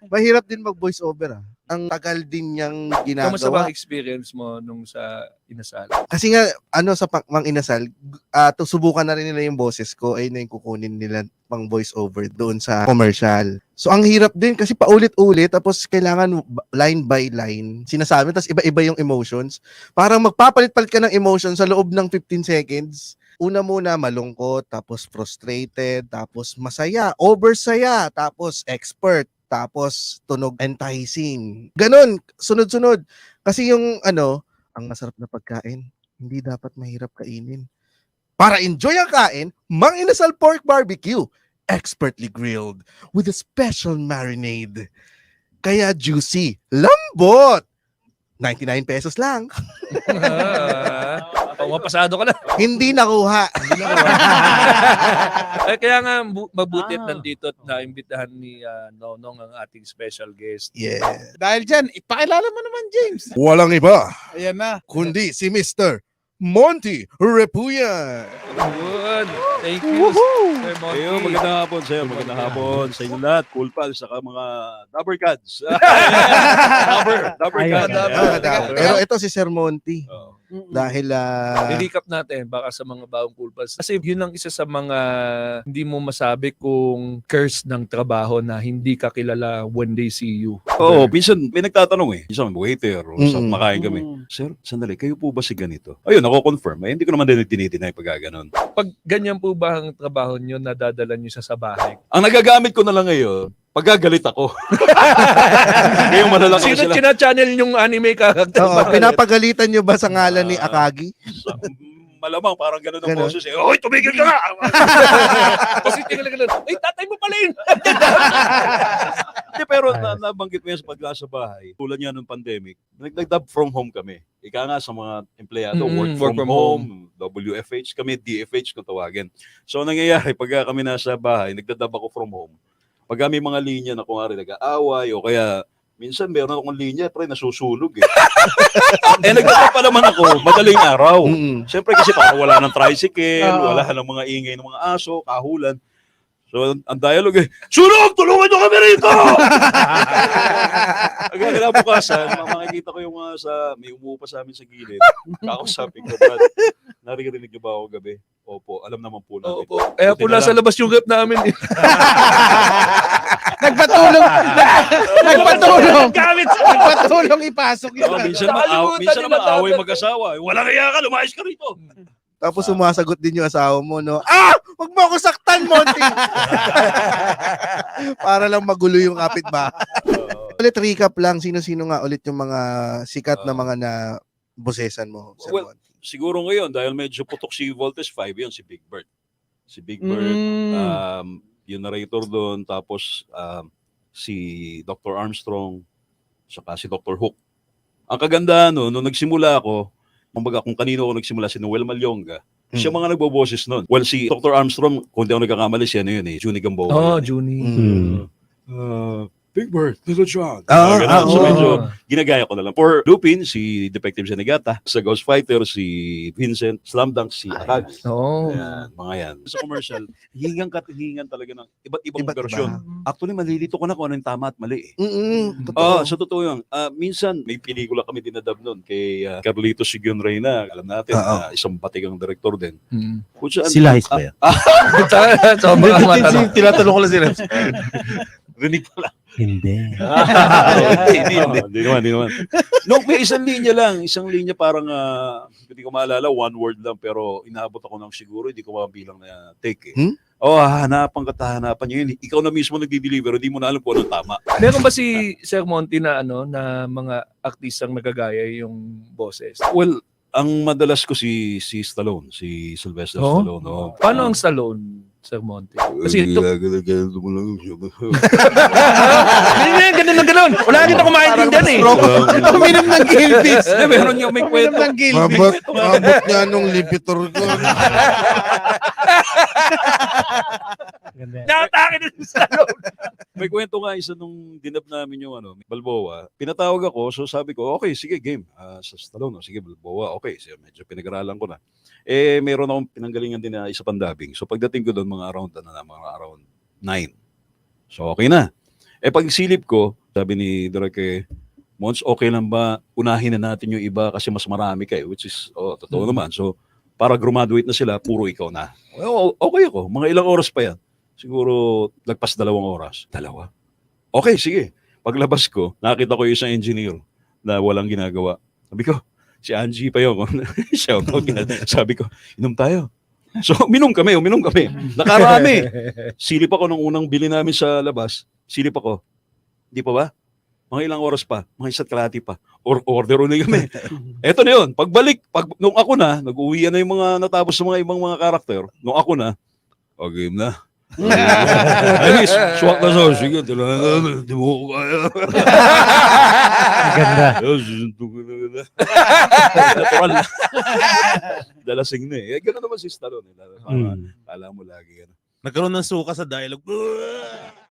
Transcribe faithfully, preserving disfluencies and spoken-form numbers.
Mahirap din mag-voice over ah. Ang tagal din niyang Kamusta ba ginagawa. ang experience mo nung sa Inasal? Kasi nga, ano sa pang, Mang Inasal, uh, to subukan na rin nila yung boses ko, ay na yung kukunin nila pang voice over doon sa commercial. So ang hirap din kasi paulit-ulit, tapos kailangan line by line, sinasabi, tapos iba-iba yung emotions. Parang magpapalit-palit ka ng emotions sa loob ng fifteen seconds. Una muna malungkot, tapos frustrated, tapos masaya, oversaya, tapos expert, tapos tunog enticing. Ganon, sunod-sunod. Kasi yung ano, ang masarap na pagkain, hindi dapat mahirap kainin. Para enjoy ang kain, Mang Inasal Pork Barbecue, expertly grilled with a special marinade. Kaya juicy, lambot. ninety-nine pesos lang. Oh, mapasado ka na. Hindi nakuha. Hindi nakuha. Eh, kaya nga bu- mabuti at Ah. nandito at naimbitahan ni uh, Nonong ang ating special guest. Yeah. Dahil dyan, ipakilala mo naman, James. Walang iba, Ayan na. kundi si Mister Monty Repuyan. Good. Thank you, Sir Monty. Ayun, magandang hapon sa'yo, magandang hapon sa inyo lahat. Cool pals, saka mga Dabber Cats. Dabber, Dabber Ayun. Cats. Ah, Ayan. Pero ito si Sir Monty. Oo. Dahil ah, I-recap natin baka sa mga bagong cool pals. Kasi yun ang isa sa mga hindi mo masabi kung curse ng trabaho na hindi ka kilala when they see you. Oo, minsan may nagtatanong eh. Minsan waiter o sa Mm-mm. makain kami. Sir, sandali, kayo po ba si ganito? Ayun, ako confirm. Eh, hindi ko naman din tinidinay pag ganon. Pag ganyan po ba ang trabaho nyo, nadadala nyo siya sa bahay? Ang nagagamit ko na lang ngayon, pagagalit ako. Ngayon malalaki Sino sila. china-channel yung anime character? oo, pinapagalitan nyo ba sa ngalan ni Akagi? Sa- Malamang parang gano'n ang Ganon. boses eh. Hoy, tumigil ka nga! Kasi tingnan lang, ay tatay mo pala yun. Hindi, pero na, nabanggit mo yan sa pag sa bahay. Tulad nga nung pandemic, nag-dub from home kami. Ika nga sa mga empleyado, Mm, work, work from, from home, W F H, kami D F H kung tawagin. So, ang nangyayari, pag kami nasa bahay, nagdadub ako from home. Pag may mga linya na kung nga nag-aaway o kaya minsan meron akong linya, pre, nasusulog eh. eh, nagdadub pa naman ako, madaling araw. Mm-mm. Siyempre kasi para wala ng tricycle, Oo. wala ng mga ingay ng mga aso, kahulan. So, ang dialogue eh, sunog! Tulungan nyo kami rito! Agad kinabukasan, makikita ko yung mga sa, may umuupa sa amin sa gilid. Kakausapin ko, Brad, naririnig niyo ba ako gabi? Opo, alam naman po namin. Opo. Kaya po Buti na nasa lang. labas yung rep namin. eh. Nagpatulong. Nagpatulong. Gamit! Nagpatulong ipasok yun. Oh, minsan naman, aw, Nakalimutan minsan nila naman away dapat. mag-asawa. Wala kaya ka, lumayas ka rito. Tapos sumasagot din yung asawa mo, no? Ah! Huwag mo ako saktan, Monty! Para lang magulo yung kapitbahay. Oo. Ulit recap lang, sino-sino nga ulit yung mga sikat na Oo. mga na bosesan mo, Sir Well, Monty? Siguro ngayon, dahil medyo putok si Voltes five, yun, si Big Bird. Si Big Bird, Mm. um, yung narrator doon, tapos um, si Doctor Armstrong, saka si Doctor Hook. Ang kaganda, no, nung nagsimula ako, kumbaga kung kanino ako nagsimula, si Noel Malyonga, siya Mm. mga nagboboses noon. Well, si Doctor Armstrong, kung di ako nagkakamali, siya ano yun eh, Junie Gamboa. Oh, yun eh. Junie. Mm. Uh, Big Bird, Little John. Ah, Mga ah, ganun. So oo. medyo ginagaya ko na lang. For Lupin, si Detective Senegata. Sa Ghost Fighter, si Vincent. Slam Dunk, si Akag. Oo. Ayan, mga yan. Sa commercial, hingang katihingan talaga ng iba't ibang Iba't version. iba. Actually, malilito ko na kung ano yung tama at mali eh. Mm-mm, Oo, totoo. sa totoo yun. Ah, minsan, may pelikula kami dinadab nun kay uh, Carlitos Sigun Reyna. Alam natin, Oo. na isang batigang director din. Mm. Kutsa, Sila Highs ba yan? Sobrang matanong. Tinatanong ko lang sila. rinig pala. Hindi. Hindi, hindi, hindi naman, hindi naman. No, may isang linya lang. Isang linya parang, ah, hindi ko maalala, one word lang, pero inaabot ako ng siguro, hindi ko mabilang na take eh. Hmm? Oh, hahanapan ka, hahanapan niya yun. Ikaw na mismo nagdi-deliver, hindi mo na alam kung anong tama. Meron ba si Sir Monty na ano na mga artistang nagagaya yung boses? Well, ang madalas ko si si Stallone, si Sylvester Oh? Stallone. Oh. Paano ang Stallone, Sir Monty? Kasi ito, Ganun mo lang siya. ganyan, ganun na ganun. Wala rin ako maintindihan eh. Uminom ng Gilbis. Eh, meron yung may Uminom kwento. ng Gilbis. Mabot, mabot niya nung lipitor ko. Nakatake din si Stallone. May kwento nga isa nung dinab namin yung ano, Balboa. Pinatawag ako, so sabi ko, okay, sige, game. Ah, sa Stallone, oh, sige, Balboa, okay. So, medyo pinag-aralan ko na. Eh, mayroon akong pinanggalingan din na isa pang dubbing. So pagdating ko doon, mga around, ano na, mga around nine. So okay na. Eh pag silip ko, sabi ni Direk eh, Mons, okay lang ba unahin na natin yung iba kasi mas marami kayo, which is, oh, totoo naman. So, para graduate na sila, puro ikaw na. Well, okay ako. Mga ilang oras pa yan. Siguro, lagpas dalawang oras. Dalawa. Okay, sige. Paglabas ko, nakita ko yung isang engineer na walang ginagawa. Sabi ko, si Angie pa yun. Shout out. Sabi ko, inom tayo. So, uminom kami, uminom kami. Nakarami. Silip ako nung unang bili namin sa labas. Silip ako. Di pa ba? Mga ilang oras pa, mga isa't kalahati pa. Or order ulit kami. Eto na yun. Pagbalik, pag, nung ako na, nag-uwi na yung mga natapos sa mga ibang mga karakter. Nung ako na, o game na. Ayos, swak na sa sige, di mo ko kaya. Ganda. Natural na. Dalasing na eh. Gano'n naman si Stallone. Eh. Mm. Alam mo lagi. Ano. Nagkaroon ng suka sa dialogue.